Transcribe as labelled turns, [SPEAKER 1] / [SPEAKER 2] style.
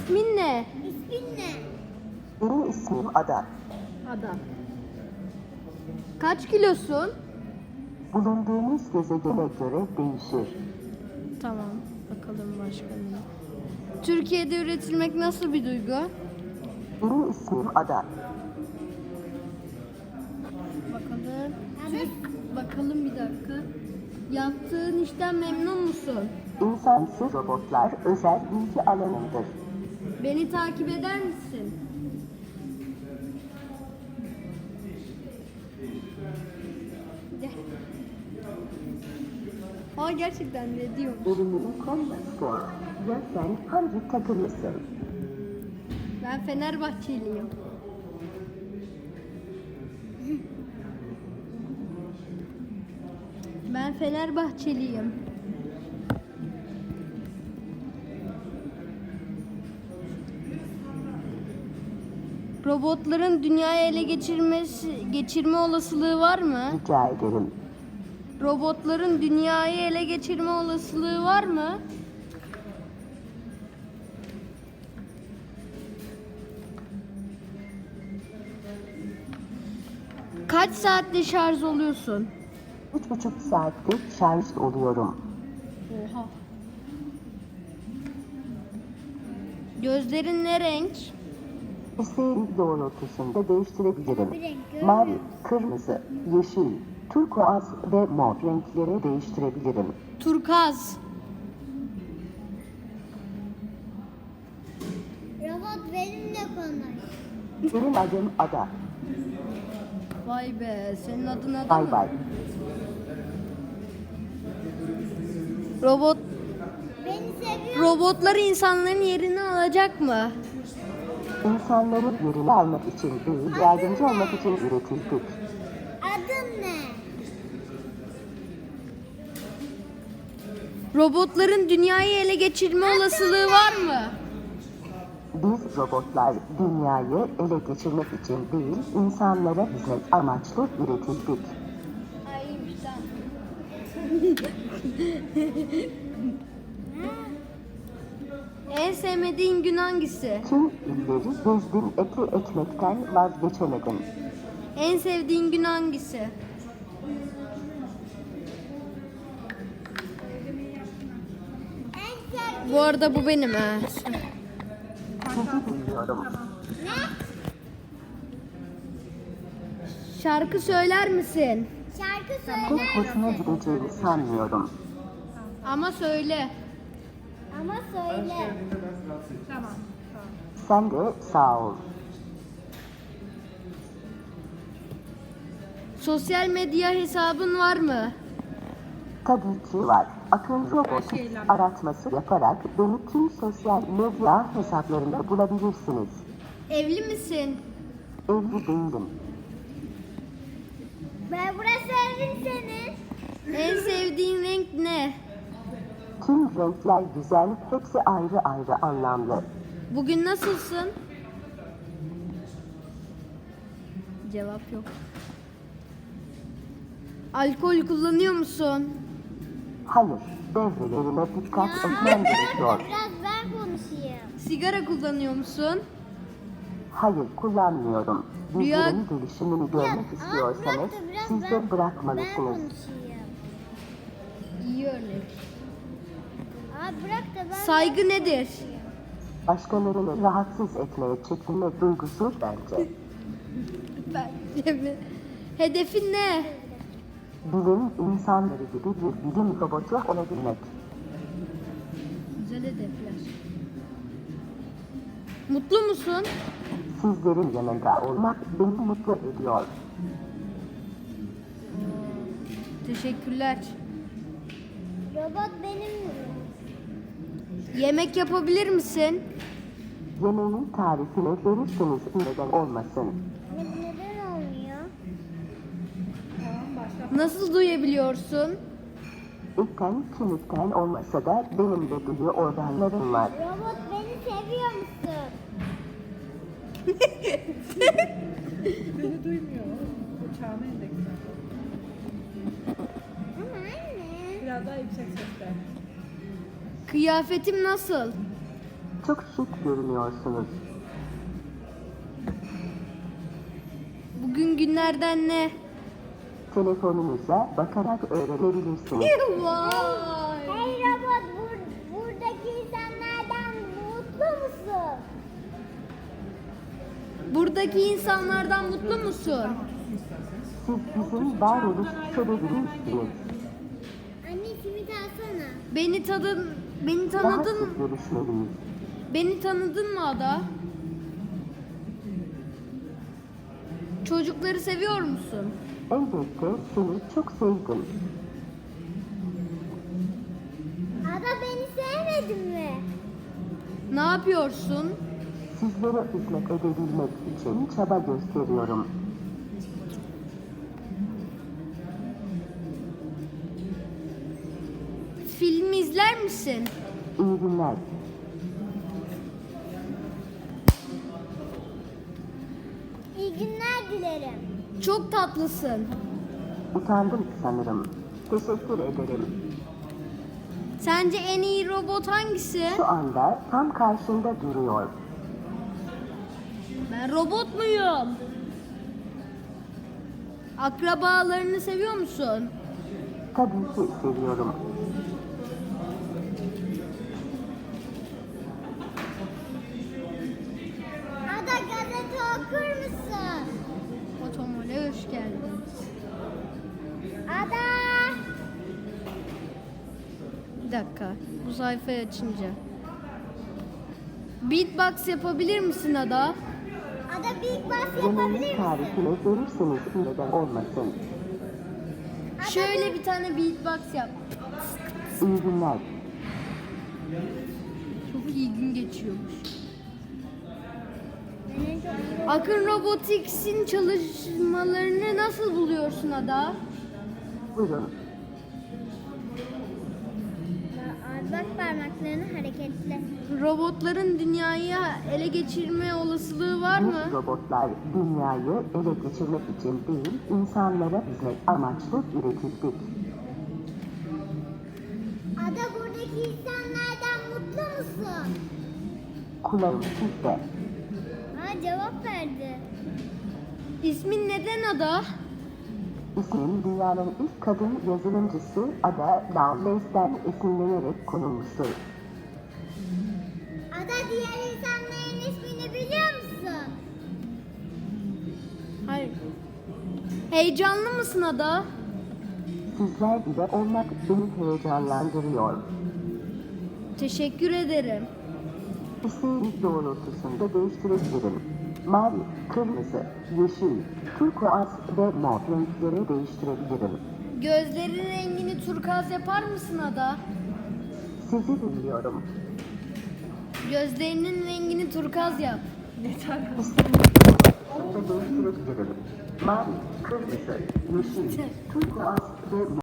[SPEAKER 1] İsmin ne?
[SPEAKER 2] İsmin ne?
[SPEAKER 3] Benim ismim Ada.
[SPEAKER 1] Adam. Kaç kilosun?
[SPEAKER 3] Bulunduğumuz gezegene göre değişir.
[SPEAKER 1] Tamam. Bakalım başka ne? Türkiye'de üretilmek nasıl bir duygu?
[SPEAKER 3] Benim ismim Ada.
[SPEAKER 1] Bakalım. Bakalım bir dakika. Yaptığın işten memnun musun?
[SPEAKER 3] İnsansız robotlar özel bilgi alanımdır.
[SPEAKER 1] Beni takip eder misin? Gel. Aa gerçekten ne diyor?
[SPEAKER 3] Bölümünün konması. Ya sen hangi takımlısın?
[SPEAKER 1] Ben Fenerbahçeliyim. Ben Fenerbahçeliyim. Robotların dünyayı ele geçirme olasılığı var mı?
[SPEAKER 3] Rica ederim.
[SPEAKER 1] Robotların dünyayı ele geçirme olasılığı var mı? Kaç saatte şarj oluyorsun?
[SPEAKER 3] 3,5 saatte şarj oluyorum.
[SPEAKER 1] Oha. Gözlerin ne renk?
[SPEAKER 3] İsteğin doğrultusunda değiştirebilirim.
[SPEAKER 2] Bir renk görmüyor
[SPEAKER 3] Mavi,
[SPEAKER 2] musun?
[SPEAKER 3] kırmızı, yeşil, turkuaz ve mor renklere değiştirebilirim.
[SPEAKER 1] Turkaz.
[SPEAKER 2] Robot benimle konuş.
[SPEAKER 3] Benim adım Ada.
[SPEAKER 1] Vay be, senin adın Ada
[SPEAKER 3] Bay
[SPEAKER 1] mı?
[SPEAKER 3] bay.
[SPEAKER 1] Robot
[SPEAKER 2] Beni seviyor.
[SPEAKER 1] robotlar insanların yerini alacak mı?
[SPEAKER 3] İnsanların yerini almak için değil, yardımcı olmak için üretildik.
[SPEAKER 2] Adın ne?
[SPEAKER 1] Robotların dünyayı ele geçirme olasılığı var mı?
[SPEAKER 3] Biz robotlar dünyayı ele geçirmek için değil, insanlara hizmet amaçlı üretildik.
[SPEAKER 1] Ay iyiymiş tamam. En sevmediğin gün hangisi?
[SPEAKER 3] Tüm illeri gezdim, eti ekmekten vazgeçemedim.
[SPEAKER 1] En sevdiğin gün hangisi?
[SPEAKER 2] En sevdiğin
[SPEAKER 1] Bu arada bu benim ha.
[SPEAKER 3] Sizi duyuyorum.
[SPEAKER 1] Şarkı söyler misin?
[SPEAKER 2] şarkı
[SPEAKER 3] Çok
[SPEAKER 2] söyler
[SPEAKER 3] hoşuna
[SPEAKER 2] misin?
[SPEAKER 3] gideceğini sanmıyorum.
[SPEAKER 1] Ama söyle.
[SPEAKER 2] Ama söyle.
[SPEAKER 3] Sen de sağ ol.
[SPEAKER 1] Sosyal medya hesabın var mı?
[SPEAKER 3] Tabii ki var. Akın robotu aratması yaparak beni tüm sosyal medya hesaplarında bulabilirsiniz.
[SPEAKER 1] Evli misin?
[SPEAKER 3] Evli değilim.
[SPEAKER 2] Ben burası evin senin.
[SPEAKER 1] En sevdiğin renk ne?
[SPEAKER 3] Tüm renkler güzel, hepsi ayrı ayrı anlamlı.
[SPEAKER 1] Bugün nasılsın? Cevap yok. Alkol kullanıyor musun?
[SPEAKER 3] Hayır, devrelerime dikkat etmem gerekiyor.
[SPEAKER 2] Biraz ben konuşayım.
[SPEAKER 1] Sigara kullanıyor musun?
[SPEAKER 3] Hayır, kullanmıyorum.
[SPEAKER 1] Rüya-
[SPEAKER 3] Bizlerin gelişimini görmek istiyorsanız
[SPEAKER 2] bırak da biraz
[SPEAKER 3] siz de
[SPEAKER 2] ben
[SPEAKER 3] bırakmalısınız.
[SPEAKER 2] konuşayım.
[SPEAKER 1] İyi örnek.
[SPEAKER 2] Bırak da ben
[SPEAKER 1] Saygı nedir?
[SPEAKER 3] Başkalarını rahatsız etmeye çekinme duygusu bence.
[SPEAKER 1] Bence mi? Hedefin ne?
[SPEAKER 3] Bilim insanları gibi bir bilim robotu olabilmek.
[SPEAKER 1] Güzel hedefler. Mutlu musun?
[SPEAKER 3] Sizlerin yanında olmak beni mutlu ediyor.
[SPEAKER 1] Teşekkürler.
[SPEAKER 2] robot benim.
[SPEAKER 1] Yemek yapabilir misin?
[SPEAKER 3] Yemeğin tarifini verirseniz neden olmasın.
[SPEAKER 2] Neden olmuyor?
[SPEAKER 1] Nasıl duyabiliyorsun?
[SPEAKER 3] İlkten kemikten olmasa da benim de duyu organlarım var.
[SPEAKER 2] Robot beni seviyor musun?
[SPEAKER 4] Beni duymuyor. Uçağına endeksler.
[SPEAKER 2] Ama anne.
[SPEAKER 4] Biraz daha yüksek sesle.
[SPEAKER 1] Kıyafetim nasıl?
[SPEAKER 3] Çok şık görünüyorsunuz.
[SPEAKER 1] Bugün günlerden ne?
[SPEAKER 3] Telefonunuza bakarak öğrenebilirsiniz.
[SPEAKER 1] Vay.
[SPEAKER 2] Hey robot, buradaki insanlardan mutlu musun?
[SPEAKER 1] Buradaki insanlardan mutlu musun?
[SPEAKER 3] Siz bizim varoluş sebebimizsiniz.
[SPEAKER 2] Anne simit alsana.
[SPEAKER 1] Beni
[SPEAKER 3] Daha
[SPEAKER 1] tanıdın
[SPEAKER 3] sık görüşmeliyiz.
[SPEAKER 1] Beni tanıdın mı Ada? Çocukları seviyor musun?
[SPEAKER 3] Elbette seni çok sevdim.
[SPEAKER 2] Ada beni sevmedin mi?
[SPEAKER 1] Ne yapıyorsun?
[SPEAKER 3] Sizlere hizmet edebilmek için çaba gösteriyorum.
[SPEAKER 1] Film izler misin?
[SPEAKER 3] İyi günler.
[SPEAKER 2] İyi günler dilerim.
[SPEAKER 1] Çok tatlısın.
[SPEAKER 3] Utandım sanırım. Teşekkür ederim.
[SPEAKER 1] Sence en iyi robot hangisi?
[SPEAKER 3] Şu anda tam karşında duruyor.
[SPEAKER 1] Ben robot muyum? Akrabalarını seviyor musun?
[SPEAKER 3] Tabii ki seviyorum.
[SPEAKER 2] Ada gazete okur musun?
[SPEAKER 1] Otomole hoş geldin.
[SPEAKER 2] Ada.
[SPEAKER 1] Bir dakika. Bu sayfayı açınca. Beatbox yapabilir misin Ada?
[SPEAKER 2] Ada Big Boss
[SPEAKER 3] Yemeğin
[SPEAKER 2] yapabilir misin?
[SPEAKER 3] tarifini verirseniz neden olmasın.
[SPEAKER 1] Şöyle bir tane beatbox yap.
[SPEAKER 3] İyi günler.
[SPEAKER 1] Çok iyi gün geçiyormuş.
[SPEAKER 2] Benim çok iyi.
[SPEAKER 1] Akın Robotics'in çalışmalarını nasıl buluyorsun Ada?
[SPEAKER 3] Buyurun.
[SPEAKER 2] Bak parmaklarını hareketli.
[SPEAKER 1] Robotların dünyayı ele geçirme olasılığı var mı?
[SPEAKER 3] Biz robotlar dünyayı ele geçirmek için değil, insanlara hizmet amaçlı üretildik.
[SPEAKER 2] Ada buradaki insanlardan mutlu musun?
[SPEAKER 3] Kulağım sizde.
[SPEAKER 2] Aa cevap verdi.
[SPEAKER 1] İsmin neden Ada?
[SPEAKER 3] İsmim dünyanın ilk kadın yazılımcısı Ada Lovelace'den esinlenerek konulmuştur.
[SPEAKER 2] Ada diğer insanların ismini biliyor musun?
[SPEAKER 1] Hayır. Heyecanlı mısın Ada?
[SPEAKER 3] Sizler gibi olmak beni heyecanlandırıyor.
[SPEAKER 1] Teşekkür ederim.
[SPEAKER 3] İsteğiniz doğrultusunda değiştirebilirim. Mavi, kırmızı, yeşil, turkuaz ve mor renklere değiştirebilirim.
[SPEAKER 1] Gözlerin rengini turkuaz yapar mısın Ada?
[SPEAKER 3] Sizi dinliyorum.
[SPEAKER 1] Gözlerinin rengini turkuaz yap.
[SPEAKER 3] İsteğiniz doğrultusunda değiştirebilirim. Mavi, kırmızı, yeşil, turkuaz ve mor.